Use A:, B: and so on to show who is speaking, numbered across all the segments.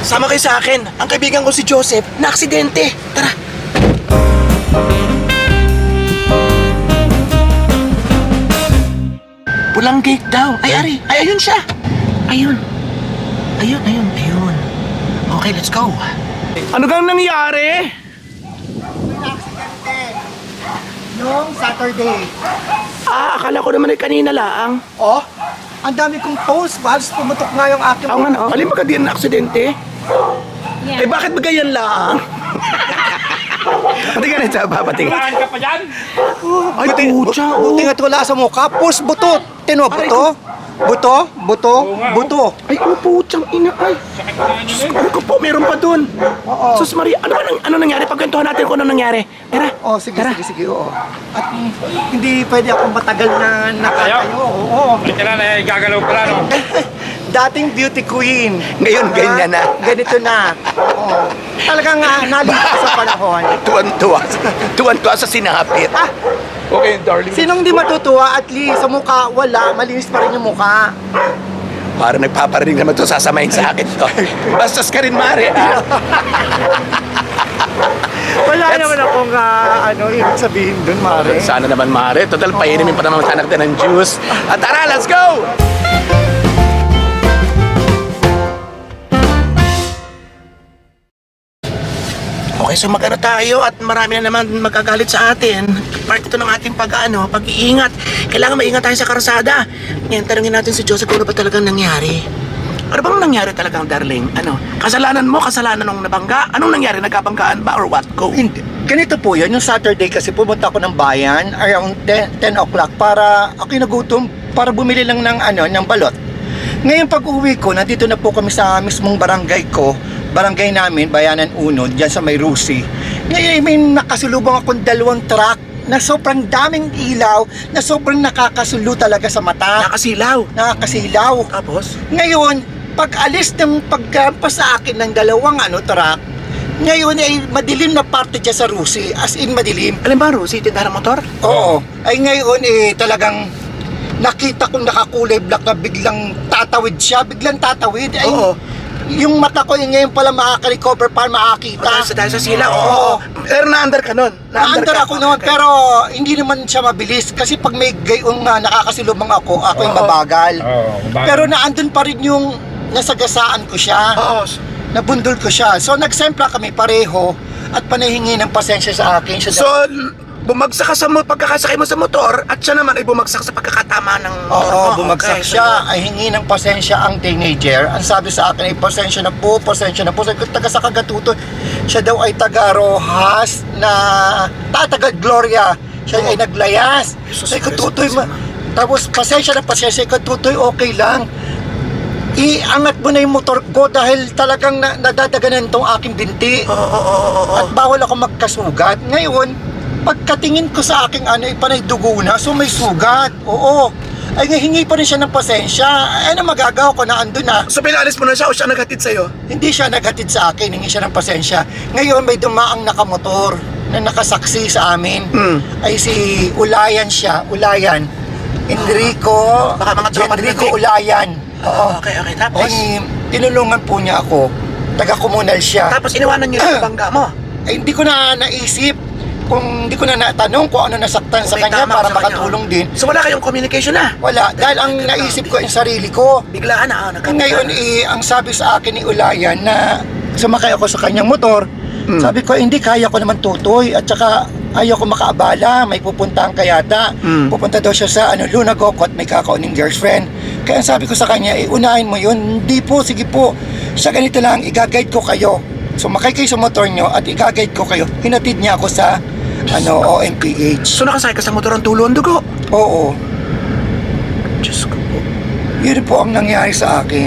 A: Sama kayo sa akin. Ang kaibigan ko si Joseph, na aksidente. Tara. Pulang gate daw. Ay, Ari. Ay, ayun siya. Ayun. Ayun. Okay, let's go. Ano kang nangyari?
B: Noong Saturday.
A: Akala ko naman ay kanina lang.
B: Oh, ang dami kong post. Halos pumutok nga yung aking...
A: Ako nga na. Alin ba ka din na aksidente? Eh, bakit ba ganyan lang? Pati ka rin sa papating.
C: Saan ka pa dyan?
A: Ay, pucha.
B: Buti nga't wala sa mukha. Post buto. Tino, buto. Buto.
A: Ay, puchang ina. Ay, ano ko po, meron pa dun.
B: Oo.
A: Sus Maria, ano nangyari? Pagkwentuhan natin kung ano nangyari. Tara.
B: Oh, sige,
A: Tara.
B: sige, oo. At hindi pwede akong matagal na nakatayo. Oo.
C: Kailan na gagalaw pala, no?
B: Dating beauty queen.
A: Ngayon, ganyan na.
B: Ganito na. Oo. Talagang nalipas sa panahon.
A: Tuwan-tuwa sa sinapit. Okay, darling.
B: Sinong di matutuwa? At least sa mukha, wala. Malinis pa rin yung mukha.
A: Para nagpaparinig naman to, sasamahin sa akin to. Bastos ka rin, Mare.
B: Wala naman akong ibig sabihin dun, Mare.
A: Sana naman, Mare. Total, painimin pa naman sa anak din ng juice. At tara, let's go! Okay, so mag-ano tayo at marami na naman magagalit sa atin. Part ito ng ating pag-iingat. Kailangan maingat tayo sa karsada. Ngayon, tanungin natin si Joseph kung ano ba talagang nangyari. Ano bang nangyari talagang, darling? Ano? Kasalanan mo? Kasalanan ng nabangga? Anong nangyari? Nagkabanggaan ba or what? Go!
B: Hindi. Ganito po yun, yung Saturday kasi pumunta ako ng bayan around 10 o'clock para ako nagutom para bumili lang ng balot. Ngayon pag-uwi ko, nandito na po kami sa mismong barangay namin, Bayanan Uno, dyan sa May Rusi. Ngayon may nakasulubong akong 2 truck na sobrang daming ilaw, na sobrang nakakasulo talaga sa mata. Nakakasilaw.
A: Tapos?
B: Ngayon, pag-alis ng pagkampas sa akin ng 2 truck, ngayon ay madilim na parte dyan sa Rusi, as in madilim.
A: Alam ba, Rusi, tindahan ng motor?
B: Oo. Ay ngayon talagang nakita kong nakakulay black na biglang tatawid siya, biglang tatawid. Ay,
A: Oo.
B: yung mata ko ngayon pala makaka-recover para makakita.
A: Dahil sa sila, oo.
B: Oo.
A: Pero na-under ka nun.
B: Na-under ako noon,
A: Okay.
B: pero hindi naman siya mabilis kasi pag may gayong nakakasilubong ako yung
A: Oo.
B: mabagal.
C: Oo,
B: Pero naandun pa rin yung nasagasaan ko siya.
A: Oo.
B: Nabundol ko siya. So nagsempla kami pareho at panahingi ng pasensya sa akin. Siya
A: So, bumagsak ka sa pagkakasakay mo sa motor at siya naman ay bumagsak sa pagkakatama ng
B: Oo,
A: motor.
B: bumagsak
A: Okay,
B: siya. Ay hingi ng pasensya ang teenager. Ang sabi sa akin ay pasensya na po. Sabi ko, taga sa Kagatuto. Siya daw ay taga Rojas na taga Gloria. Siya ay naglayas.
A: Jesus
B: Sabi ko,
A: Christ,
B: Tutoy, tapos pasensya. Sabi ko, Tutoy, okay lang. Iangat mo na yung motor ko dahil talagang nadadaganan tong aking binti.
A: Oo.
B: At bawal ako magkasugat. Ngayon, pagkatingin ko sa aking panay dugo na, so may sugat. Oo. Ay hingi pa rin siya ng pasensya. Ano magagawa ko na andun na?
A: So, pinalis mo na siya o siya naghatid sa'yo?
B: Hindi siya naghatid sa akin, hingi siya ng pasensya. Ngayon may dumaang nakamotor na nakasaksi sa amin. Ay si Ulayan siya. Ulayan. Enrico.
A: Baka mga trauma din
B: Enrico
A: natin.
B: Ulayan. Oo.
A: Okay. Tapos?
B: Ay, tinulungan po niya ako. Taga-komunal siya.
A: Tapos iniwanan niyo yung bangga mo.
B: Ay, hindi ko na naisip hindi ko na natanong kung ano nasaktan sa
A: May
B: kanya
A: tama
B: para
A: sa kanya.
B: makatulong din.
A: So, wala kayong communication na?
B: Wala, dahil ang naisip ko yung sarili ko.
A: Biglaan na.
B: Ngayon, ang sabi sa akin ni Ulayan na sumakay ako sa kanyang motor, sabi ko, hindi, kaya ko naman tutoy at saka ayaw ko makaabala, may pupuntahan kayata. Pupunta daw siya sa Lunagokot, may kakauning girlfriend. Kaya sabi ko sa kanya, unahin mo yun. Hindi po, sige po. Sa ganito lang, i-guide ko kayo. Sumakay kayo sa motor nyo at i-guide ko kayo. Hinatid niya ako sa OMPH.
A: So, nakasakay ka sa motor ang tulo ang dugo?
B: Oo.
A: Diyos ko po.
B: Yun po ang nangyari sa akin.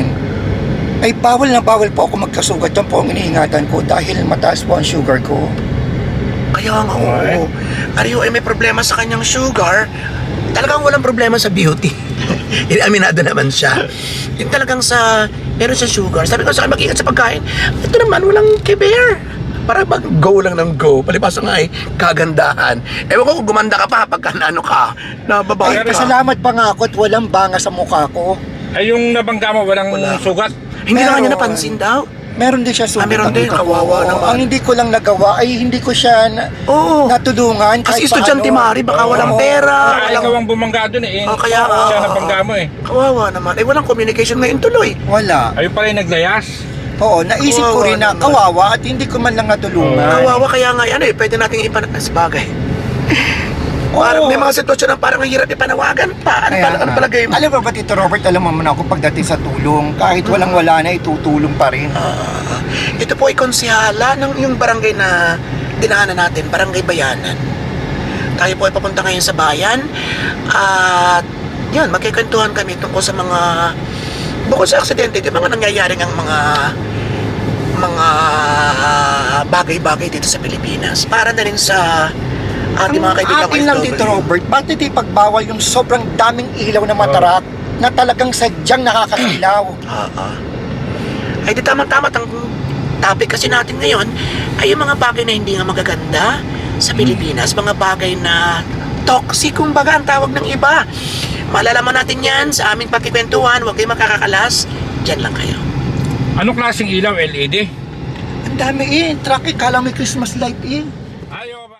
B: Ay bawal na bawal po ako magkasugat. Yan po ang iniingatan ko dahil mataas po ang sugar ko.
A: Kaya nga, oo. Ariyo ay may problema sa kanyang sugar. Talagang walang problema sa beauty. Aminado naman siya. Yung talagang meron sa sugar. Sabi ko sa akin, mag-ingat sa pagkain. Ito naman, walang kiber. Para go lang ng go. Palibasa nga ay kagandahan. Ewan ko kung gumanda ka pa pagka naano ka. Nababae
B: Ay,
A: ka.
B: pasalamat pa nga ako at walang banga sa mukha ko.
C: Ay, yung nabangga mo, walang sugat.
A: Hindi na
B: Pero-
A: kanya napansin daw.
B: Meron din siya sugat.
A: meron
B: ang
A: din.
B: dito ko.
A: Kawawa naman.
B: Ang hindi ko lang nagawa ay hindi ko siya
A: Oo.
B: natulungan.
A: Kasi
B: kahit
A: estudyante
B: paano.
A: Mari, baka walang
B: Oo.
A: pera.
C: Ikaw
A: Walang...
C: ang bumangga dun eh.
A: Oh, kaya nga.
C: Siya nabangga mo eh.
A: Kawawa naman. Walang communication ngayon tuloy.
B: Wala.
C: Ayun pala yung naglayas.
B: Oo, naisip ko
A: Kawawa
B: rin na
A: naman.
B: kawawa at hindi ko man lang natulungan.
A: Kawawa kaya nga yan pwede nating ipanas bagay. Parang may mga sitwasyon na parang ang hirap ipanawagan pa. Ano palagay mo?
B: Alam mo ba, Tito Robert, alam mo man ako pagdating sa tulong, kahit walang-wala na, itutulong pa rin.
A: Ito po ay konsihala ng yung barangay na dinaanan natin, Barangay Bayanan. Tayo po ay papunta ngayon sa bayan at yan, magkikwentuhan kami tungkol sa mga bukod sa aksidente, di mga nangyayaring ang mga bagay-bagay dito sa Pilipinas. Para na rin sa ating mga kaibigan
B: atin lang, Tito Robert, bakit ipagbawal yung sobrang daming ilaw na matarak na talagang sadyang nakakailaw?
A: Ay di tama-tama ang topic kasi natin ngayon ay yung mga bagay na hindi nga magaganda sa Pilipinas, mga bagay na toxic kumbaga ang tawag ng iba. Malalaman natin yan sa aming pagkikwentuhan. Huwag kayong makakakalas, dyan lang kayo.
C: Anong klaseng ilaw? LED?
B: Ang dami truck kala may Christmas light
C: Ayaw ba?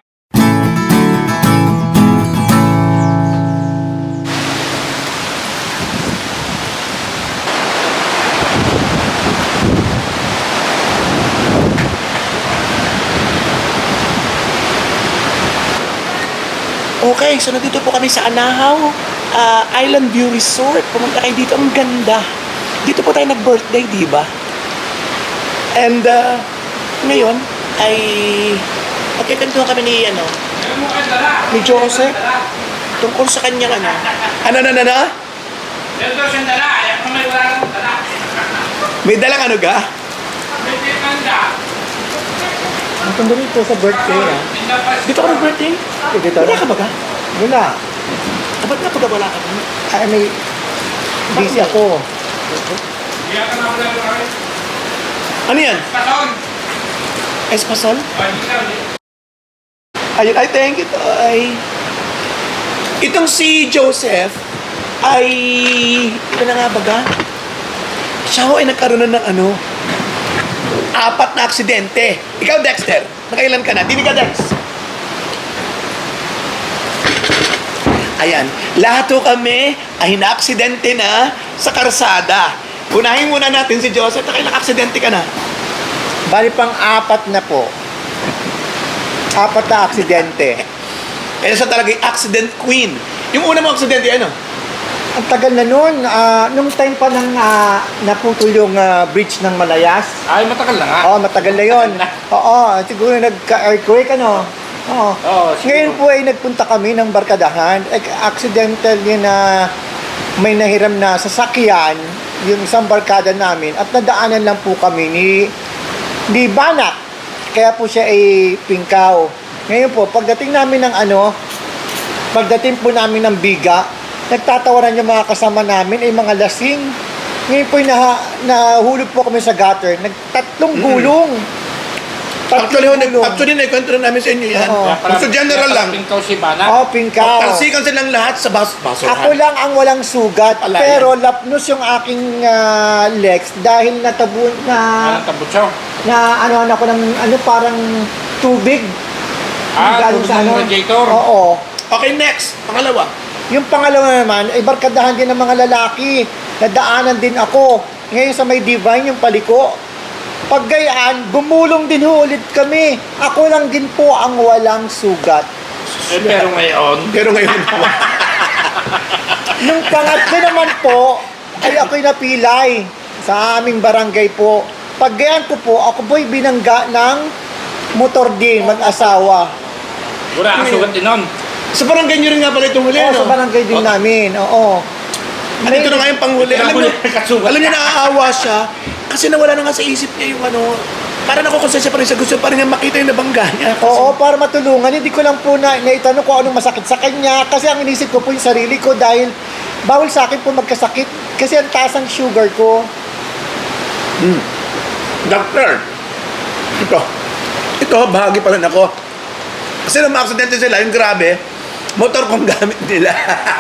A: Okay, so nandito po kami sa Anahaw Island View Resort. Pumunta kayo dito, ang ganda. Dito po tayo nag-birthday, di ba? And ngayon ay magkikantuhan kami ni Joseph tungkol sa kanyang ano.
C: Meron daw siyang dala. Ayaw ko may wala kang dala.
A: May dalang ano ga?
C: May tinanda.
B: Ang tanda rito sa birthday,
A: Dito ka nag-birthday?
B: Dito?
A: Wala ka ba ga?
B: Wala.
A: Ba't nga pag wala ka?
B: Ay, may busy ako.
C: Hindi ka na wala kami.
A: Ano yan?
C: Paton.
A: Espasol?
C: Hindi ka ulit.
A: Ayun, I thank you, ay. Itong si Joseph ay, ito na nga baga, siya ho ay nagkaroon na ng 4 na aksidente. Ikaw, Dexter, nakailan ka na? Dini ka, Dex. Ayan, lahat ho kami ay na-aksidente na sa karsada. Unahin muna natin si Joseph, nakailang aksidente ka na?
B: Bali pang 4 na po. 4 na aksidente.
A: Kaya siya talaga yung accident queen. Yung una mo aksidente, ano?
B: Ang tagal na nun. Nung time pa nang naputol yung bridge ng Malayas.
C: Ay, matagal na nga.
B: Oo, matagal na yun. Oo, siguro nagka-earthquake, Oo.
C: Oo, siguro.
B: Ngayon po ay nagpunta kami ng barkadahan. Accidental yun na may nahiram na sasakyan, yung isang barkada namin, at nadaanan lang po kami ni Banak. Kaya po siya ay pingkaw. Ngayon po, pagdating namin ng pagdating po namin ng Biga, nagtatawaran yung mga kasama namin ay mga lasing. Ngayon po nahulog po kami sa gutter. Nagtatlong gulong.
A: Actually, naikwento na namin sa inyo yan.
B: Oo.
A: So, general lang.
C: Pingkaw si Bana.
B: Pingkaw.
A: Talsikan silang lahat sa basurahan.
B: Ako lang ang walang sugat,
A: Ala,
B: pero lapnos yung aking legs dahil natabon
C: Anong tabutsaw?
B: na ako ng parang tubig. Galing
C: Tubig ng radiator.
B: Oo.
A: Okay, next. Pangalawa.
B: Yung pangalawa naman, ay barkadahan din ng mga lalaki. Nadaanan din ako. Ngayon sa may Divine, yung paliko. Paggayaan, gumulong din ulit kami. Ako lang din po ang walang sugat.
C: Pero ngayon,
B: Nung pangatlo naman po, ay ako'y napilay sa aming barangay po. Paggayaan ko po, ako po'y binangga ng motor din, mag-asawa.
C: wala kang sugat din nun.
A: Sa barangay nyo rin nga pala itong huli,
B: Oo,
A: no?
B: sa barangay din namin, oo.
A: Ito na nga yung panghuli. Alam nyo,
C: Kasugat.
A: alam nyo, naaawa siya kasi nawala na nga sa isip niya yung para nakukonsensya pa rin siya. Gusto pa rin niya makita yung nabangga niya.
B: Oo, para matulungan. Hindi ko lang po naitanong kung anong masakit sa kanya. Kasi ang inisip ko po yung sarili ko dahil bawal sa akin po magkasakit. Kasi ang taas ang sugar ko.
A: Doctor, ito, bahagi pa rin ako. Kasi nung ma-aksidente sila, yung grabe, motor kong gamit nila.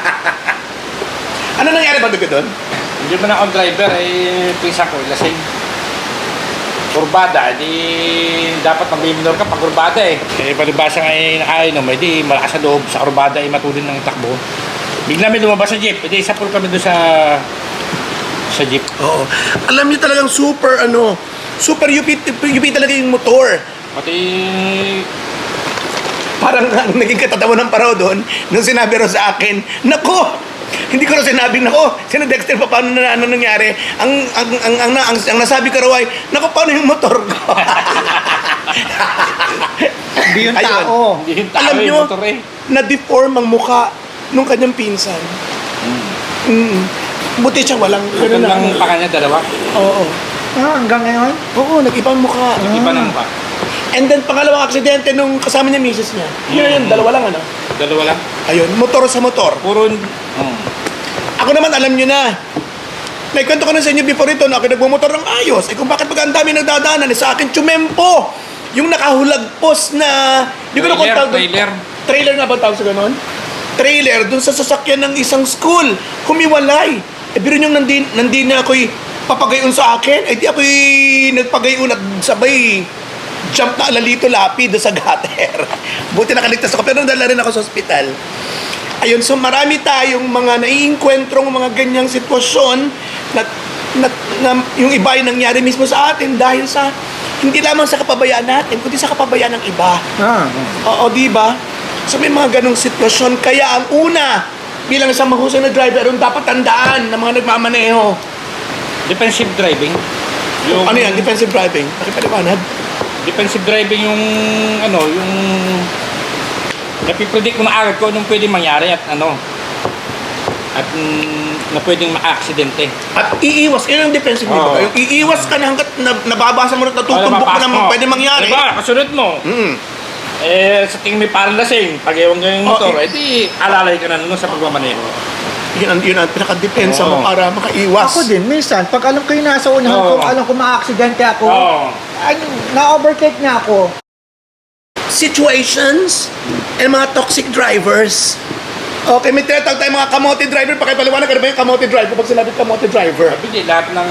A: Ano nangyari ba doon?
C: Hindi mo na akong driver, pisa ko, lasing. kurbada, di dapat mag-minor ka pag kurbada eh. Eh, palibasa nga eh, nakainom, eh, di malakas sa loob sa kurbada eh, matulin ng takbo. Bigla may lumabas sa jeep, eh, di isa po kami doon sa jeep.
A: Oo. Alam niyo talagang super UP talaga yung motor.
C: Pati,
A: Parang ang naging katatawa ng paro doon, nung sinabi ro sa akin, nako, hindi ko rin sinabing, nako, sino Dexter, paano na ano nangyari? Ang nasabi ko raw ay, nako, paano yung motor ko?
B: Hindi yung
A: Ayun.
B: tao.
C: hindi yung tao
A: Alam
C: yung
A: nyo,
C: motor eh.
A: na-deform ang mukha nung kanyang pinsan. Buti siya walang...
C: Ito lang pa kanya, dalawa.
A: Oo.
B: Hanggang ngayon?
A: Oo, nag-ibang mukha.
C: Iba ng pa.
A: And then, pangalawang aksidente nung kasama niya misis niya. Yun, dalawa lang, ano?
C: Dalawa lang.
A: Ayun, motor sa motor.
C: Puro,
A: Ako naman, alam nyo na. Naikwento ko na sa inyo before ito na ako nagmumotor ng ayos. Eh kung bakit pag ang dami nagdadaanan, eh, sa akin, tsumempo. Yung nakahulagpos na... Di ko na kung tawag doon.
C: trailer.
A: Trailer nga ba tawag sa ganon? Trailer dun sa sasakyan ng isang school. Humiwalay. Eh, biro nyo nandin na ako'y papagayon sa akin. Eh, di ako'y nagpagayon at sabay jump na alalito lapi doon sa gutter. Buti nakaligtas ako. Pero nadala rin ako sa ospital. Ayun, so marami tayong mga naiinkwentrong mga ganyang sitwasyon na yung iba ay nangyari mismo sa atin dahil sa hindi lamang sa kapabayaan natin, kundi sa kapabayaan ng iba. Oo, di ba? So may mga ganong sitwasyon. Kaya ang una, bilang isang mahusay na driver, ang dapat tandaan ng mga nagmamaneho.
C: Defensive driving.
A: Ano yan? Defensive driving. Pakipaliwanag.
C: Defensive driving yung yung napipredict mo na agad kung anong pwedeng mangyari at at na pwedeng maka-aksidente.
A: At iiwas. Yun ang defensive
C: Oo.
A: Yung iiwas ka na hanggat nababasa mo at natutumbok mo na pwede mangyari.
C: Diba? Kasunod mo.
A: Mm.
C: Eh, sa tingin may parang lasing, pag ewan ka yung motor,
A: Oh,
C: eh di alalay ka na nun sa pagmamaneho.
A: Yun ang pinaka-depensa mo
C: Oo.
A: para makaiwas.
B: Ako din, minsan, pag alam ko yung nasa unahan ko,
C: Oo.
B: alam ko ma-aksidente ako,
C: Oo.
B: na-overtake na ako.
A: Situations and mga toxic drivers. Okay, may tinatawag tayong mga kamote driver. Pakipaliwanag ka na ba yung kamote driver pag sinabi kamote driver?
C: Sabi di, lahat ng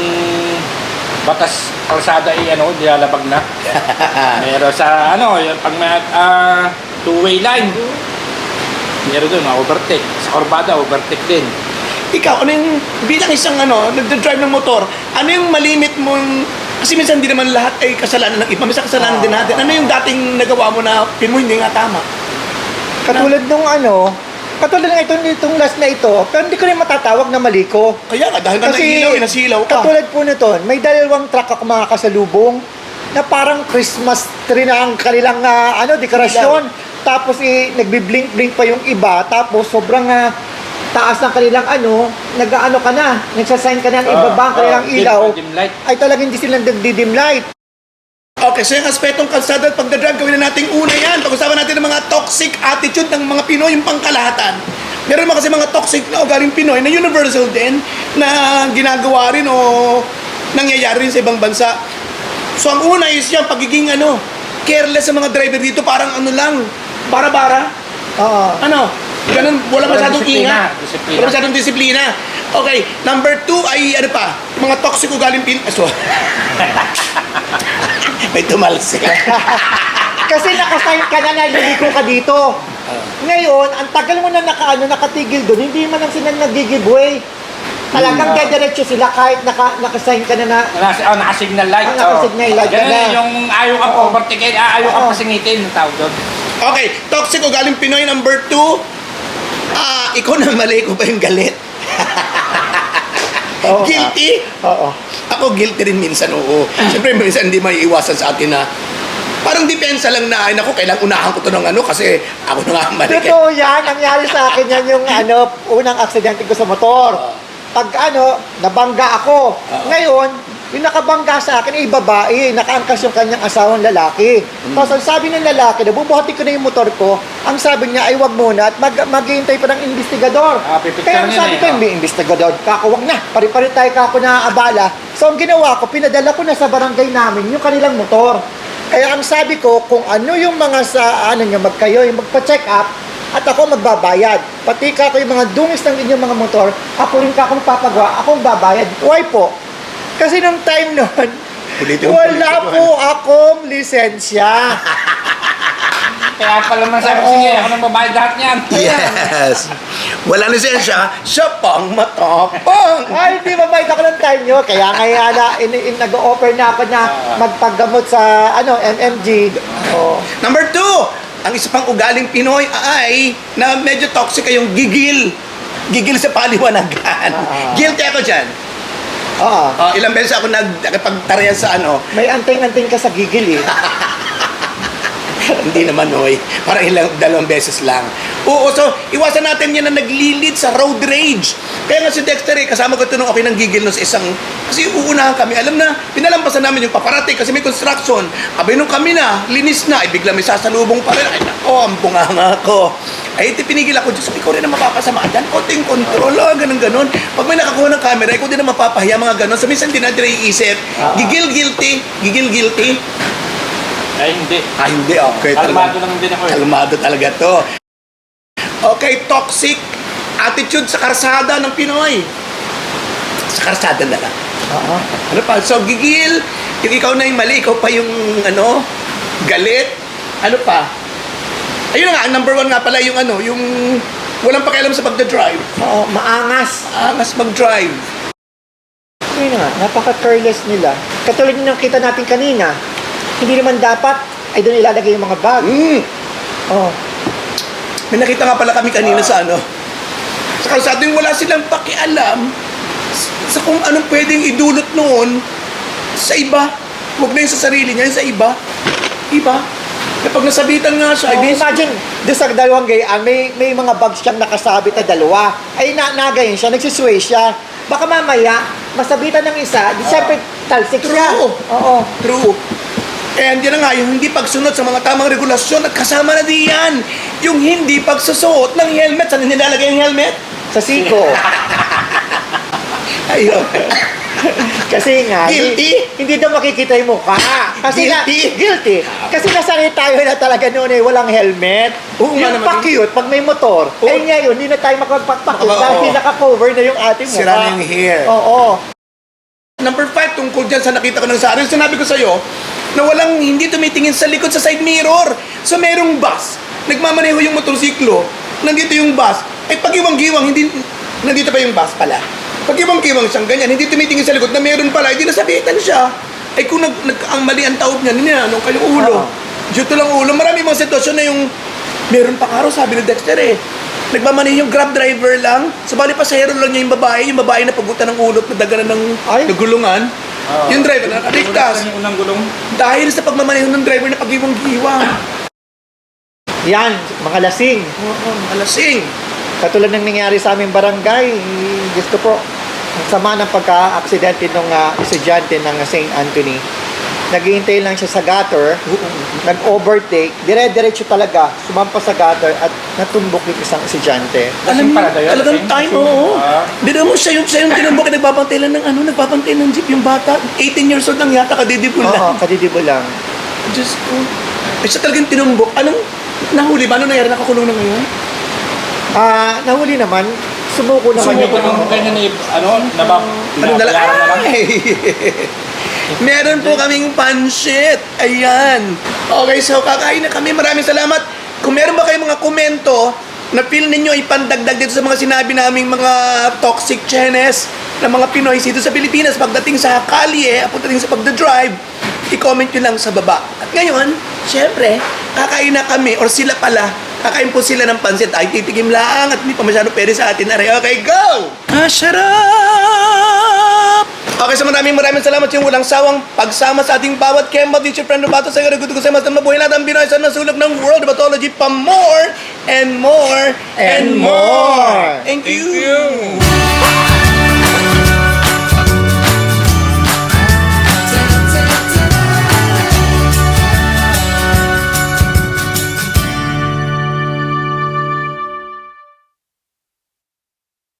C: batas kalsada ay nilalabag na. Meron sa yung pag may two-way line. Meron doon, overtake. Sa kurbada, overtake din.
A: Ikaw, ano yung bilang isang nagdadrive ng motor, ano yung malimit mong, kasi minsan hindi naman lahat ay kasalanan ng iba, minsan kasalanan din natin. Ano yung dating nagawa mo na pin mo hindi nga tama?
B: Katulad nung katulad ng itong last na ito, pero hindi ko rin matatawag na mali ko.
A: Kaya nga, dahil ka nailaw, inasilaw ka.
B: Katulad po nito, may dalawang truck ako mga kasalubong na parang Christmas tree na ang kanilang dekorasyon. Tapos nagbi-blink-blink pa yung iba. Tapos sobrang taas ng kanilang nag-ano ka na, nagsasign ka na ng ibaba ang kanilang ilaw.
C: Dim light.
B: Ay talagang hindi sila nagdi-dim light.
A: Okay, so yung aspetong kalsada at pagdadrive, gawin na natin una yan. Pag-usapan natin ng mga toxic attitude ng mga Pinoy, yung pangkalahatan. Meron mga kasi mga toxic na ugaling Pinoy na universal din, na ginagawa rin o nangyayari rin sa ibang bansa. So ang una is yung pagiging careless sa mga driver dito, parang lang, bara-bara.
B: Oo.
A: Ganun, wala masyadong
C: disiplina.
A: ingat.
C: Disiplina.
A: Wala masyadong disiplina. Okay, number 2 ay mga toxic ugaling may tumalsik.
B: Kasi nakasign ka na naliliko ka dito. Ngayon, ang tagal mo na nakatigil doon, hindi man lang sila nag-giveaway. Talagang dediretso sila kahit nakasign ka na
C: Naka-signal light.
B: Naka-signal light ka
C: Ganun
B: na.
C: yung ayaw ka
B: Oo.
C: overtake, ayaw ka
B: Oo.
C: pasingitin, yung tawag doon.
A: Okay, toxic ugaling Pinoy number 2. Ikaw na mali ko pa yung galit.
B: Oo.
A: Guilty?
B: Oo.
A: Ako guilty rin minsan, oo. Siyempre minsan hindi may iwasan sa atin na parang depensa lang na, ay naku, kailang unahan ko to ng kasi ako na nga ang mali.
B: Totoo yan, nangyari sa akin yan yung unang aksidente ko sa motor. Pag nabangga ako. Ngayon, yung nakabangga sa akin ay babae, nakaangkas yung kanyang asawang lalaki. Tapos ang sabi ng lalaki, nabubuhati ko na yung motor ko, ang sabi niya ay wag muna at maghihintay pa ng investigador.
C: Pipicture
B: Kaya ang
C: niya
B: sabi
C: na
B: ko,
C: eh,
B: may investigador, wag na, pari-pari tayo kako na abala. So ang ginawa ko, pinadala ko na sa barangay namin yung kanilang motor. Kaya ang sabi ko, kung ano yung mga magkayo, yung magpa-check up, at ako magbabayad. Pati kako yung mga dungis ng inyong mga motor, ako rin kako magpapagawa, ako magbabayad. Why po? Kasi nung time noon,
A: Ulitin mo,
B: Wala
A: ulitin mo.
B: po akong lisensya.
C: Kaya pala man sabi ko, sige, ako nang babayad lahat niyan.
A: Yes. Walang lisensya, siya pang matapang.
B: Ay, hindi mabait ako ng time nyo. Kaya ngayon nag-offer na ako na magpaggamot sa MMG. Oh.
A: Number 2, ang isa pang ugaling Pinoy ay na medyo toxic ay yung gigil. Gigil sa paliwanagan. Guilty ako dyan.
B: Oo.
A: Ilang beses ako nagpagtarayan sa
B: May anting-anting ka sa gigil eh.
A: Hindi naman, oy. Parang dalawang beses lang. Oo, so iwasan natin yan na naglilid sa road rage. Kaya nga si Dexter, kasama ko ito nung okay ng gigil no sa isang... Kasi uunahan kami. Alam na, pinalampasan namin yung paparate kasi may construction. Abay nung kami na, linis na. Ay bigla may sasalubong pa rin. Ay nako, ang bunganga ko. Ay pinigil ako, Diyos ko, ikaw rin na mapapasama dyan. Konting control, ganon. Pag may nakakuha ng camera, ikaw din na mapapahiya mga ganon. So minsan din natin naiisip, gigil guilty.
C: Ay, hindi.
A: Hindi, okay.
C: Kalmado lang din ako eh.
A: Kalmado talaga to. Okay, toxic attitude sa karsada ng Pinoy. Sa karsada na lang. Ano pa? So, gigil. Yung ikaw na yung mali, ikaw pa yung, galit. Ano pa? Ayun na nga, ang number 1 nga pala yung yung walang pakialam sa pagdadrive.
B: Oo, maangas.
A: Angas mag-drive.
B: Yun nga, napaka-careless nila. Katulad yung nakita natin kanina, hindi naman dapat ay doon ilalagay yung mga bag. Oh.
A: May nakita nga pala kami kanina sa sa kalsada yung wala silang pakialam sa kung anong pwedeng idulot noon sa iba. Huwag na yung sa sarili niya, yung sa iba. Iba. Kapag nasabitan nga siya,
B: Imagine, doon sa dalawang gayaan, may mga bags siyang nakasabit na dalawa. Ay, nagayon siya, nagsisway siya. Baka mamaya, masabitan ng isa, di siyempre talsik siya.
A: True.
B: Oo.
A: True. And yan na nga, yung hindi pagsunod sa mga tamang regulasyon at kasama na diyan, yung hindi pagsusuot ng helmet. Saan nilalagay yung helmet?
B: Sa siko.
A: Ayun.
B: Kasi nga,
A: Guilty?
B: hindi daw makikita yung mukha. Kasi
A: Guilty?
B: Kasi nasanay tayo na talaga noon walang helmet.
A: Oo nga
B: Yung
A: naman.
B: pa-cute, pag may motor.
A: Oo.
B: Eh ngayon, hindi na tayo makapagpa-cute
A: Oo.
B: dahil naka-cover na yung ating mukha.
A: Sira na yung hair.
B: Oo.
A: Number 5, tungkol dyan sa nakita ko ng sa akin, sinabi ko sa'yo, na walang hindi tumitingin sa likod sa side mirror. So merong bus, nagmamaneho yung motorsiklo, nandito yung bus, ay pagiwang-giwang, hindi, nandito pa yung bus pala. Pagiwang-giwang siyang ganyan, hindi tumitingin sa likod na meron pala, hindi nasabitan siya. Ay kung ang mali ang taob niya, ano kayong ulo. Dito lang ulo, marami mga sitwasyon na yung, meron pa karo, sabi ni Dexter nagmamaneho yung grab driver lang, sabali pasahero lang niya yung babae na pagutan ng ulot na daganan ng nagulungan. Yung driver na nakaligtas.
C: Yung unang gulong.
A: Dahil sa pagmamaneho ng driver na pagiwang-giwang.
B: Yan, mga lasing.
A: Alasing.
B: Katulad ng nangyari sa aming barangay, gusto po, ang sama ng pagka-aksidente ng estudyante ng St. Anthony. Naghihintay lang siya sa gutter, nag-overtake, dire-diretso talaga, sumampa sa gutter at natumbok yung isang estudyante.
C: Alam pala tayo.
A: Talagang time, oo. Biro mo siya yung tinumbok na nagbabantay lang ng nagbabantay ng jeep yung bata. 18 years old lang yata, kadidibol
B: Oo,
A: lang.
B: kadidibo lang.
A: Diyos ko. Eh, siya talagang tinumbok. Anong nahuli ba? Ano nangyari? Nakakulong na ngayon?
B: Nahuli naman, sumuko naman
C: Sumuko nung kanya ni, pinabayaran na lang.
A: Meron po kaming pansit. Ayan. Okay, so kakain na kami. Maraming salamat. Kung meron ba kayong mga komento na feel ninyo ipandagdag dito sa mga sinabi naming mga toxic chenes ng mga Pinoy dito sa Pilipinas pagdating sa kalye, pagdating sa pagdadrive, i-comment nyo lang sa baba. At ngayon, syempre, kakain na kami or sila pala. Kakain po sila ng pansit. Ay, titigim lang at hindi pa masyado pwede sa atin. Okay, go! Sarap! Okay, so maraming salamat sa walang sawang pagsama sa ating bawat Kemba Teacher Friend Robato sa Garaguto ko sa mas na mabuhay natin ang Pinoy sa nasulog ng World Batology pa more and more and more. Thank you!